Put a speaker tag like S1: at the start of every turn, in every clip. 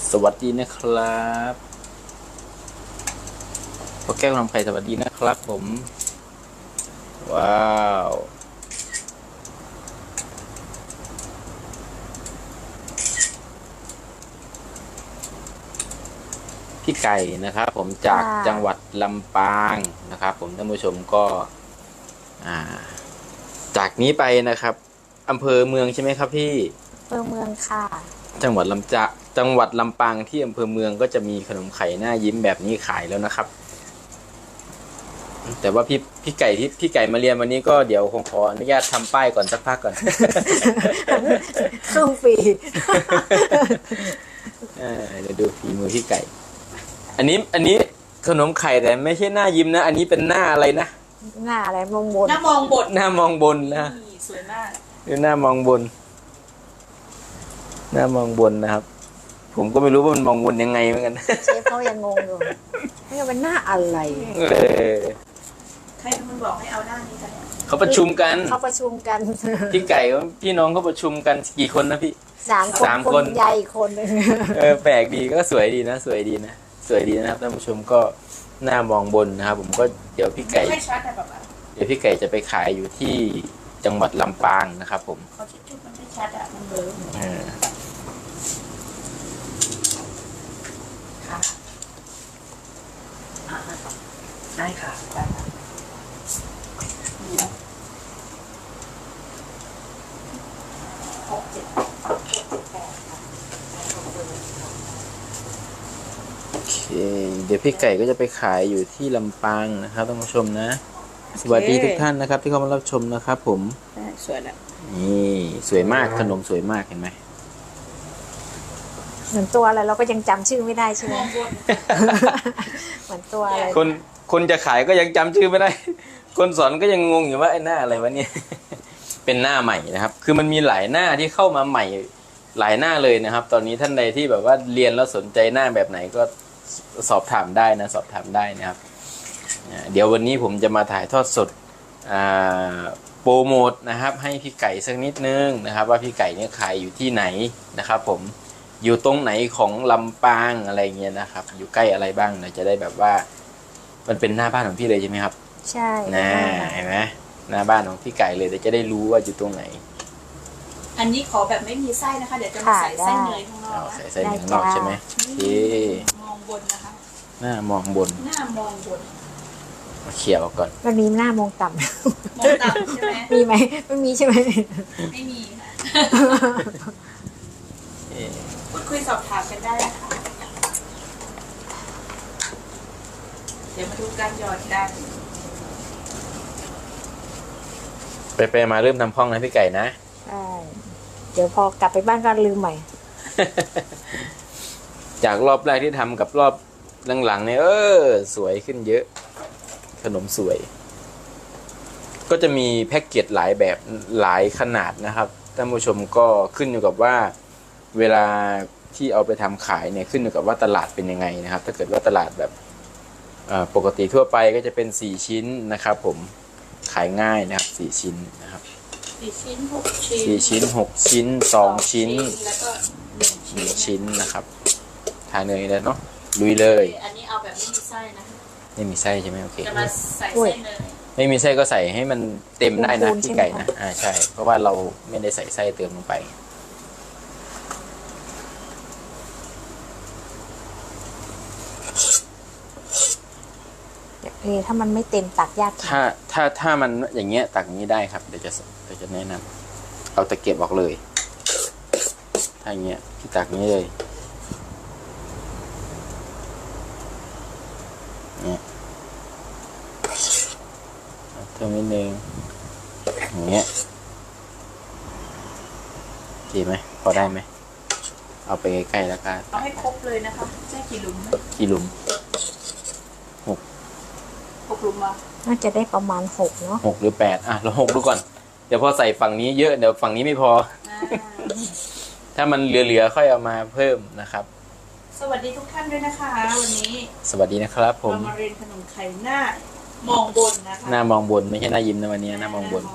S1: สวัสดีนะครับพ่อแก้วทำไข่สวัสดีนะครับผมว้าวพี่ไก่นะครับผมจากจังหวัดลำปางนะครับผมท่านผู้ชมก็จากนี้ไปนะครับอำเภอเมืองใช่ไหมครับพี่
S2: อำเภอเมืองค่ะ
S1: จังหวัดลำปางที่อำเภอเมืองก็จะมีขนมไข่หน้ายิ้มแบบนี้ขายแล้วนะครับแต่ว่าพี่ไก่มาเรียนวันนี้ก็เดี๋ยวคงขออนุญาตทำป้ายก่อนสักพักก่อน
S2: ครึ่งปี
S1: เดี๋ยวดูฝีมือพี่ไก่อันนี้ขนมไข่แต่ไม่ใช่หน้ายิ้มนะอันนี้เป็นหน้าอะไรนะ
S2: หน้าอะไรมองบน
S3: หน้ามองบน
S1: นะ
S3: สวยมาก
S1: ดูหน้ามองบนนะครับผมก็ไม่รู้ว่ามันมองบนยังไงเหมือนกัน
S2: เชฟเขายังงงอยู่นี่เป็นหน้าอะไร
S3: ใครมันบอกให้เอาหน้านี้กัน
S1: เขาประชุมกันพี่ไก่พี่น้องเขาประชุมกันกี่คนนะพี่3 คน
S2: ใหญ่คนนึง
S1: แปลกดีก็สวยดีนะสวยดีนะครับท่านผู้ชมก็หน้ามองบนนะครับผมก็เดี๋ยวพี่ไก่จะไปขายอยู่ที่จังหวัดลำปางนะครับผม
S3: เขาชุดมันไม่ชัดมันเบลอค่ะได้ค่ะ
S1: โอเคเดี๋ยวพี่ไก่ก็จะไปขายอยู่ที่ลำปางนะครับท่านผู้ชมนะสวัสดีทุกท่านนะครับที่เข้ามารับชมนะครับผม
S3: สวยแล้ว
S1: นี่สวยมากขนมสวยมากเห็นไหม
S2: เหมือนตัวอะไรเราก็ยังจำชื่อไม่ได้ใช่ไหมเหมือนตัวอะไร
S1: คนจะขายก็ยังจำชื่อไม่ได้คนสอนก็ยังงงอยู่ว่าไอ้หน้าอะไรวะเนี่ยเป็นหน้าใหม่นะครับคือมันมีหลายหน้าที่เข้ามาใหม่หลายหน้าเลยนะครับตอนนี้ท่านใดที่แบบว่าเรียนแล้วสนใจหน้าแบบไหนก็สอบถามได้นะครับเดี๋ยววันนี้ผมจะมาถ่ายทอดสดโปรโมทนะครับให้พี่ไก่สักนิดนึงนะครับว่าพี่ไก่เนี่ยขายอยู่ที่ไหนนะครับผมอยู่ตรงไหนของลำปางอะไรเงี้ยนะครับอยู่ใกล้อะไรบ้างเราจะได้แบบว่ามันเป็นหน้าบ้านของพี่เลยใช่ไหมครับ
S2: ใช่
S1: เห็นไหมหน้าบ้านของพี่ไก่เลยเดี๋ยวจะได้รู้ว่าอยู่ตรงไหน
S3: อันนี้ขอแบบไม่มีไส้นะคะเดี๋ยวจะมาใส่ไส้เนยข้างนอก
S1: ใส่ไส้เนยข้างนอกใช่ไหม
S3: มองบนนะคะ
S1: หน้ามองบนมาเขี่ยออกก่อน
S2: มันมีหน้ามองต่ำ
S3: ใช่ไหม
S2: มีไหมไม่มีใช่ไหม
S3: ไม่มีค่ะพูดคุยสอบถามกันได้นะคะเดี๋ยวมาดูการหยอดกัน
S1: ไปมาเริ่มทำพองนะพี่ไก่นะ
S2: ใช่เดี๋ยวพอกลับไปบ้านก็ลืมใหม่
S1: จากรอบแรกที่ทำกับรอบหลังๆเนี่ยสวยขึ้นเยอะขนมสวยก็จะมีแพ็กเกจหลายแบบหลายขนาดนะครับท่านผู้ชมก็ขึ้นอยู่กับว่าเวลาที่เอาไปทำขายเนี่ยขึ้นอยู่กับว่าตลาดเป็นยังไงนะครับถ้าเกิดว่าตลาดแบบปกติทั่วไปก็จะเป็น4ชิ้นนะครับผมขายง่ายนะครับ4ชิ้นนะครับ
S3: 4 ชิ้น 6 ชิ้น
S1: 4 ชิ้น6 ชิ้น2 ชิ้น
S3: แล้วก็
S1: 1 ชิ้นนะครับทานเนยแล้วเนาะลุยเลย
S3: อันนี้เอาแบบไม่มีไส้นะ
S1: ไม่มีไส้ใช่ไหมโอเค
S3: จะมาใส่ไส้เนย
S1: ไม่มีไส้ก็ใส่ให้มันเต็มได้นะพี่ไก่นะใช่เพราะว่าเราไม่ได้ใส่ไส้เติมลงไป
S2: ถ้ามันไม่เต็มตักยาก
S1: ถ้ามันอย่างเงี้ยตักอย่างนี้ได้ครับเดี๋ยวจะแนะนำเอาตะเกียบออกเลยถ้าอย่างเงี้ยพี่ตักนี้เลยเนี่ยเท่านิดนึงอย่างเงี้ยดีไหมพอได้ไหมเอาไปใกล้ๆแล้วกัน
S3: เอาให้ครบเลยนะคะใช่กี่หลุม6 หลุมมา
S2: น่าจะได้ประมาณ6เนาะ
S1: 6หรือ8เรา6ดูก่อนเดี๋ยวพอใส่ฝั่งนี้เยอะเดี๋ยวฝั่งนี้ไม่พอถ้ามันเหลือค่อยเอามาเพิ่มนะครับ
S3: สวัสดีทุกท่านด้วยนะคะวันนี้
S1: สวัสดีนะครับผม
S3: มาเรียนขนมไข่หน้ามองบนนะคะ
S1: หน้ามองบนไม่ใช่หน้ายิ้มนะวันนี้หน้ามองบน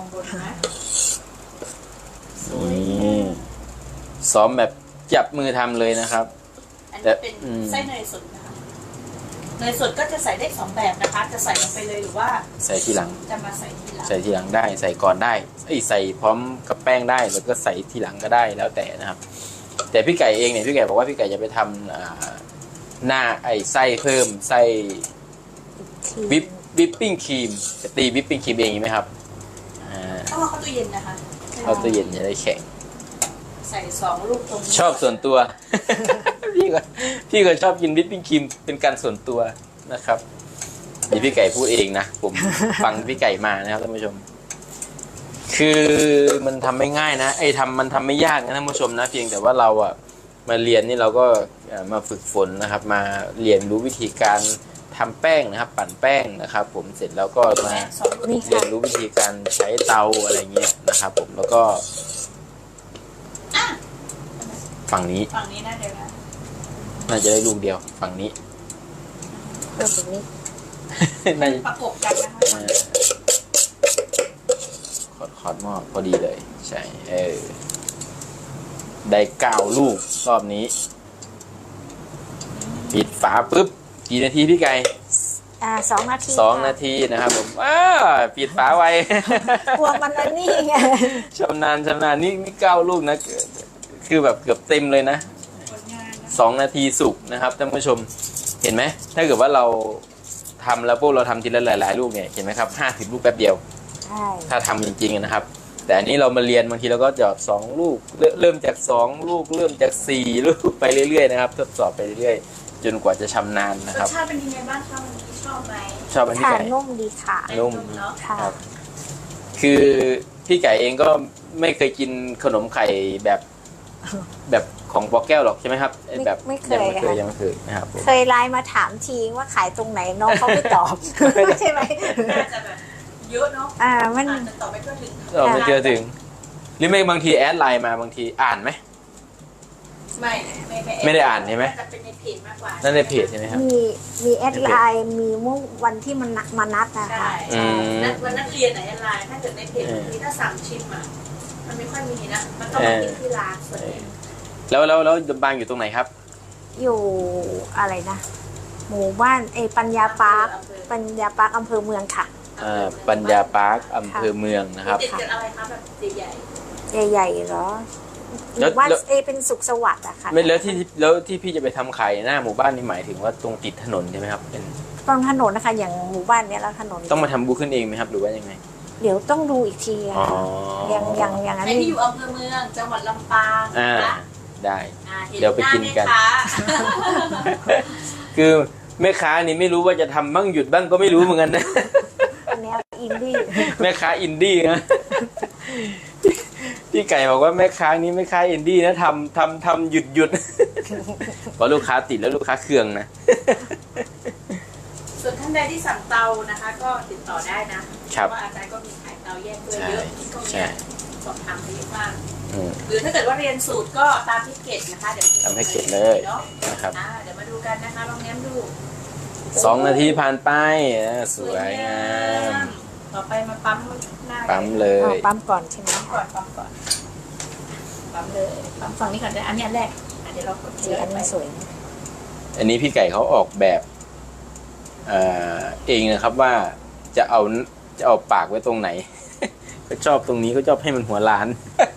S1: นี่ซ้อมแบบจับมือทำเลยนะครับ
S3: อันนนี้เป็นไส้เนยสดนะคะเนยสดก็จะใส่ได้2แบบนะคะ จะใส่ลงไปเลยหรือว่า
S1: ใส่ทีหลัง
S3: จะมาใส่ทีหลัง
S1: ใส่ทีหลังได้ใส่ก่อนได้ใส่พร้อมกับแป้งได้แล้วก็ใส่ทีหลังก็ได้แล้วแต่นะครับ แต่พี่ไก่เองเนี่ยพี่ไก่บอกว่าพี่ไก่จะไปทำหน้าไส้เพิ่มไส้วิปปิ้งครีมจะตีวิปปิ้งครีมเองไหมครับ
S3: ต้องเอาเข้าตู้เย็นนะคะ
S1: เข้าตู้เย็นจะได้แข็ง
S3: ใส่2 ลูกตรงนี้
S1: ชอบส่วนตัว พี่ก็ชอบกินวิปปิ้งครีมเป็นการส่วนตัวนะครับนี่พี่ไก่พูดเองนะผมฟังพี่ไก่มานะครับท่านผู้ชม คือมันทำไม่ง่ายนะมันทำไม่ยากนะท่านผู้ชมนะเพียงแต่ว่าเราอะมาเรียนนี่เราก็มาฝึกฝนนะครับ มาเรียนรู้วิธีการทำแป้งนะครับ ปั่นแป้งนะครับ ผมเสร็จแล้วก็มาเรียนรู้วิธีการใช้เตาอะไรเงี้ยนะครับ ผมแล้วก็ฝั่งนี้
S3: นะเดี๋ยวนะ
S1: น่าจะได้ลูกเดียวฝั่งนี้
S2: เพิ่มอีกนิด
S1: น่าจะ
S3: ประกบกันนะคะ
S1: ขอดหม้อพอดีเลยใช่ได้9 ลูกรอบนี้ปิดฝาปุ๊บกี่นาทีพี่ไก่
S2: 2 นาที
S1: 2 นาทีนะครับผมปิดฝาไว
S2: กลัวมันนี่ไง
S1: ชำนาญนี่9 ลูกนะคือแบบเกือบเต็มเลยนะ2 นาทีสุกนะครับท่านผู้ชมเห็นไหมถ้าเกิดว่าเราทำแล้วพวกเราทำทีละหลายๆลูกเนี่ยเห็นไหมครับ50 ลูกแป๊บเดียวถ้าทำจริงๆนะครับแต่อันนี้เรามาเรียนบางทีเราก็หยอด2 ลูกเริ่มจาก2 ลูกเริ่มจาก4 ลูกไปเรื่อยๆนะครับทดสอบไปเรื่อยๆจนกว่าจะชำนาญนะครับ
S3: รสชาติเป็นยังไงบ้างคะวันนี้ชอบไหม
S1: ชอบอันนี้ไก่
S2: นุ่มดีค่ะ
S1: นุ่ม
S3: เนาะ
S1: ครับคือพี่ไก่เองก็ไม่เคยกินขนมไข่แบบของปอแก้วหรอกใช่ไหมครับแบบ
S2: ไม่เคย
S1: ยังไม่เคยนะครับ
S2: เคยไลน์มาถามทีว่าขายตรงไหนน้องเขาไม่ตอบใช่ไหม
S3: น่าจะแบบเยอะเนาะ
S2: มัน
S3: ตอบไม่ทั่วถึง
S1: ตอบไม่ทั่วถึงหรือไม่บางทีแอดไลน์มาบางทีอ่านไหมไม่ได้อ่านใช่ไหม
S3: จะเป็นในเพจมากกว่า
S1: นั่นในเพจใช่ไหมครับ
S2: มีแอดไลน์มีเมื่อวันที่มันมานัดนะคะ
S3: วันนัดเรียนไหนแอดไลน์ถ้าเกิดในเพจบางทีถ้าสั่งชิมมันไม่ค่อยมีนะมันต้องมากินที่ร้านส่วนใหญ่
S1: แล้วบางอยู่ตรงไหนครับ
S2: อยู่อะไรนะหมู่บ้านปัญญาปาร์คอำเภอเมืองค่ะ
S1: ปัญญาปาร์คอำเภอเมืองนะครับ
S3: ติดกับอะไรคะแบบให
S2: ญ่เหรอหมู่บ้านเป็นสุขสวัสดิ์อะค่ะ
S1: แล้วที่พี่จะไปทำขายหน้าหมู่บ้านนี่หมายถึงว่าตรงติดถนนใช่ไหมครับเป็น
S2: ตรงถนนนะคะอย่างหมู่บ้านเนี้ยแล้วถนน
S1: ต้องมาทำบูขึ้นเองไหมครับหรือว่ายังไง
S2: เดี๋ยวต้องดูอีกทีอะอย่าง
S3: นั้นที่อยู่อำเภอเมืองจังหวัดลำปาง
S1: ได้เดี๋ยวไปกินกันคือแม่ค้านี่ไม่รู้ว่าจะทำบ้างหยุดบ้างก็ไม่รู้เหมือนกันนะ
S2: แนวอินดี้
S1: แม่ค้าอินดี้นะพี่ไก่บอกว่าแม่ค้านี้ไม่ค้าอินดี้นะทำหยุดเพราะลูกค้าติดแล้วลูกค้าเคืองนะ
S3: ส่วนท่านใดที่สั่งเตานะคะก็ติดต่อได้นะเพราะว่าอาจารย์ก็มีขายเตาแยกด้วยเยอะที่ก็มีสอบถามไปเยอะมากหรือถ้าเกิดว่าเรียนสูตรก็ตามที่เกตนะคะเดี๋ยว
S1: ทำให้เกตเลยนะครับ
S3: เดี๋ยวมาดูกันนะคะลองแง้มดู
S1: 2 นาทีผ่านไปสวยงาม
S3: ต่อไปมาปั๊มหน้า
S1: ปั๊มเลย
S2: ปั๊มก่อนใช่ไหม
S3: ปั๊มก่อนปั๊มเลยปั๊มฝั่งนี้ก่อนได้อันนี้อันแรกเดี๋ยวเรากดที
S2: อันนี้สวย
S1: อันนี้พี่ไก่เขาออกแบบเองนะครับว่าจะเอาปากไว้ตรงไหนก็ชอบตรงนี้ก็ชอบให้มันหัวล้าน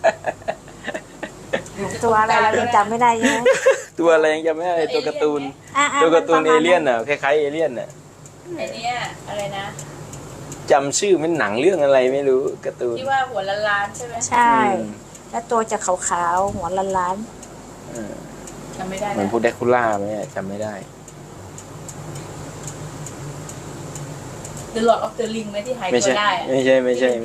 S2: ตัวอะไรเรายังจำไม่ได้ใช่ไหม
S1: ตัวอะไรยังจำไม่ได้ตัวการ์ตูนเอเลี่ยนน่ะคล้ายๆเอเลี่ยนน่ะ
S3: ไอเนี้ยอะไรนะ
S1: จำชื่อมันหนังเรื่องอะไรไม่รู้การ์ตูน
S3: ที่ว่าหัวล้านใช่ไหม
S2: ใช่แล้วตัวจะขาวๆหัวล้าน
S3: จำไม่ได้
S1: เหมือนพวกแดคูล่าไหมจำไม่ได้
S3: The Lord of the Ring ไหมที่หายตัวได้
S1: ไม่ใช่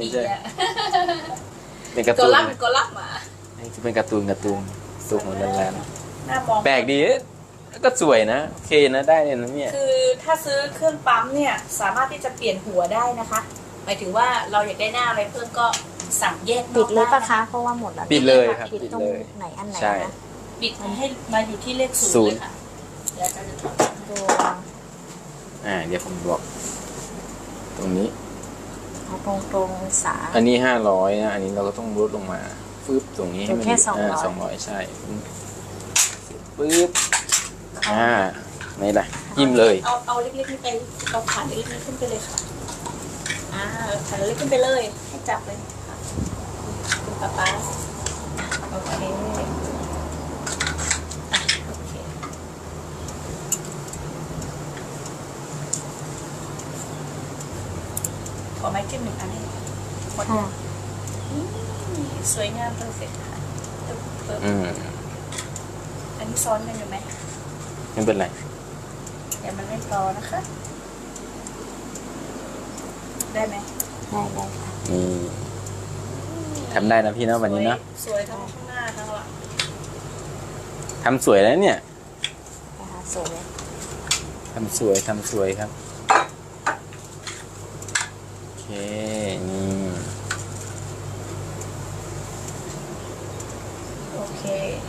S1: เป็นการ์ตูน
S3: เป็นกอลัมน์มา
S1: เป็นการ์ตูนตัวหัวล้านแปลกดีก็สวยนะโอเคนะได้เลยนะเนี่ย
S3: คือถ้าซื้อเครื่องปั๊มเนี่ยสามารถที่จะเปลี่ยนหัวได้นะคะหมายถึงว่าเราอยากได้หน้าอะไรเพิ่มก็สั่งแยก
S2: ปิดเลยปะคะเพราะว่าหมดแล้ว
S1: ปิดเลยครับ
S2: ปิดตรงไหนอันไหนนะ
S3: ปิดให้มาอยู่ที่เลข0เลยค่ะแล้วจะ
S2: ดู
S1: เดี๋ยวผมบอกตรงนี้
S2: ตรงสา
S1: อันนี้500นะอันนี้เราก็ต้องลดลงมาฟึบตรงนี้ให้มัน
S2: แค่
S1: 200ใช่ปึ๊บนี่แหละจิ้มเลย
S3: เอาเล็กๆนี่ไปเอาผ่านเล็กๆนี่ขึ้นไปเลยค่ะผ่านเล็กขึ้นไปเลยให้จับเลยค่ะคุณป๊าโอเคโอเคขอไม้จิ้มหนึ่งอันให้หมดเลยสวยงามเพอร์เฟกต์ค่ะอันนี้ซ้อนกันอยู่ไหม
S1: ไม่เป็นไร
S3: เดี๋ยวมันไม่พอนะคะ ได้ไหม
S2: ได้ค่ะ
S1: นี่ทำได้นะพี่เนาะวันนี้เนาะ
S3: สวยทั้งข้างหน้าทั้งหลัง
S1: ทำสวยแล้วเนี่ย
S2: นะคะสวย
S1: ทำสวยครับโอเคนี่
S3: โอเค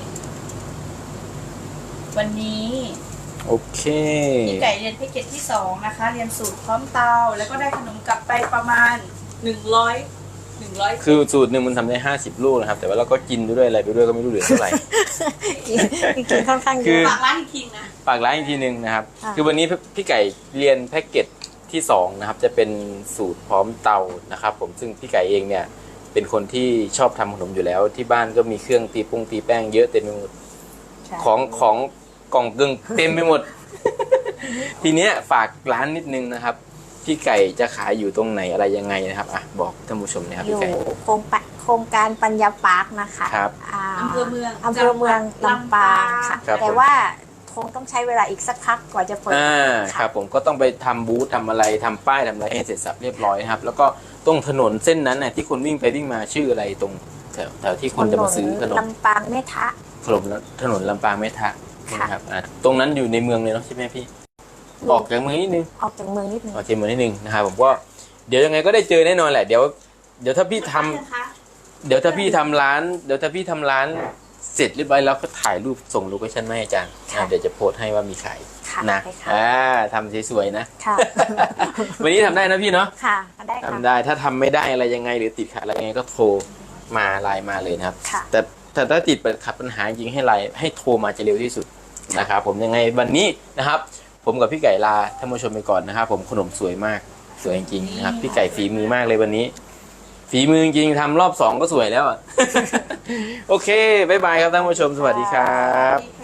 S3: วันนี้
S1: โอเค
S3: พี่ไก่เรียนแพ็กเกจที่2นะคะ เรียนสูตรพร้อมเตาแล้วก็ได้ขนมกลับไปประมาณ100
S1: คือสูตรหนึ่งมันทำได้50 ลูกนะครับแต่ว่าเราก็กินด้วยอะไรไปด้วยก็ไม่รู้เหลือเท่าไหร่
S2: กินค่อนข้างเย
S1: คือ
S2: อะ
S3: ฝากร้านอีกทีนะ
S1: ฝากร้านอีกทีหนึ่งนะครับ
S2: ค่ะ
S1: คือวันนี้พี่ไก่เรียนแพ็กเกจที่2นะครับจะเป็นสูตรพร้อมเตานะครับผมซึ่งพี่ไก่เองเนี่ยเป็นคนที่ชอบทำขนมอยู่แล้วที่บ้านก็มีเครื่องตีแป้งเยอะเต็มไปหมด
S2: ใช่
S1: ของกล่องกึ่งเต็มไปหมด ทีเนี้ยฝากร้านนิดนึงนะครับพี่ไก่จะขายอยู่ตรงไหนอะไรยังไงนะครับอ่ะบอกท่านผู้ชมนะครับ
S2: อยู่
S1: พี่ไก่
S2: โครงการปัญญาปาร์คนะคะ
S1: ครับ
S3: อำเภอเมือง
S2: อำเภอเมืองลำปางค่ะ
S1: ครับ
S2: แต่ว่าคงต้องใช้เวลาอีกสักพักกว่าจะเปิด
S1: ครับผมก็ต้องไปทำบูธทำอะไรทำป้ายทำอะไรให้เสร็จสับเรียบร้อยนะครับแล้วก็ตรงถนนเส้นนั้นน่ะที่คนวิ่งไปวิ่งมาชื่ออะไรตรงแถวที่คนจะมาซื้อขนม
S2: ลำปางแม่ทะ
S1: ถนนลำปางแม่ทะนะครับตรงนั้นอยู่ในเมืองเลยเนาะใช่ไหมพี่ออกจากเมืองนิดนึง
S2: ออกจากเมืองนิดนึง
S1: ออกจากเมืองนิดนึงนะครับผมก็เดี๋ยวยังไงก็ได้เจอแน่นอนแหละเดี๋ยวถ้าพี่ทำถ้าพี่ทำร้านเสร็จเรียบร้อยแล้วก็ถ่ายรูปส่งโลเคชั่นมาให้อาจารย์เดี๋ยวจะโพสต์ให้ว่ามีขาย
S2: ค่ะ
S1: นะ
S2: ได้ค่ะ
S1: ทำสวยๆนะ
S2: ค่ะ
S1: วันนี้ทำได้นะพี่เนาะ
S2: ค่ะได้ค่ะ
S1: ทำได้ถ้าทำไม่ได้อะไรยังไงหรือติดขัดอะไรยังไงก็โทรมาไลน์มาเลยนะครับ
S2: ค่ะ
S1: แต่ถ้าติดขัดปัญหาจริงให้ไลน์ให้โทรมาจะเร็วที่สุดนะครับผมยังไงวันนี้นะครับ ผมกับพี่ไก่ลาท่านผู้ชมไปก่อนนะครับผมขนมสวยมากสวยจริงๆนะครับพี่ไก่ฝีมือมากเลยวันนี้ ฝีมือจริงทำรอบ2ก็สวยแล้วอ่ะ โอเคบ๊ายบายครับท่านผู้ชมสวัสดีครับ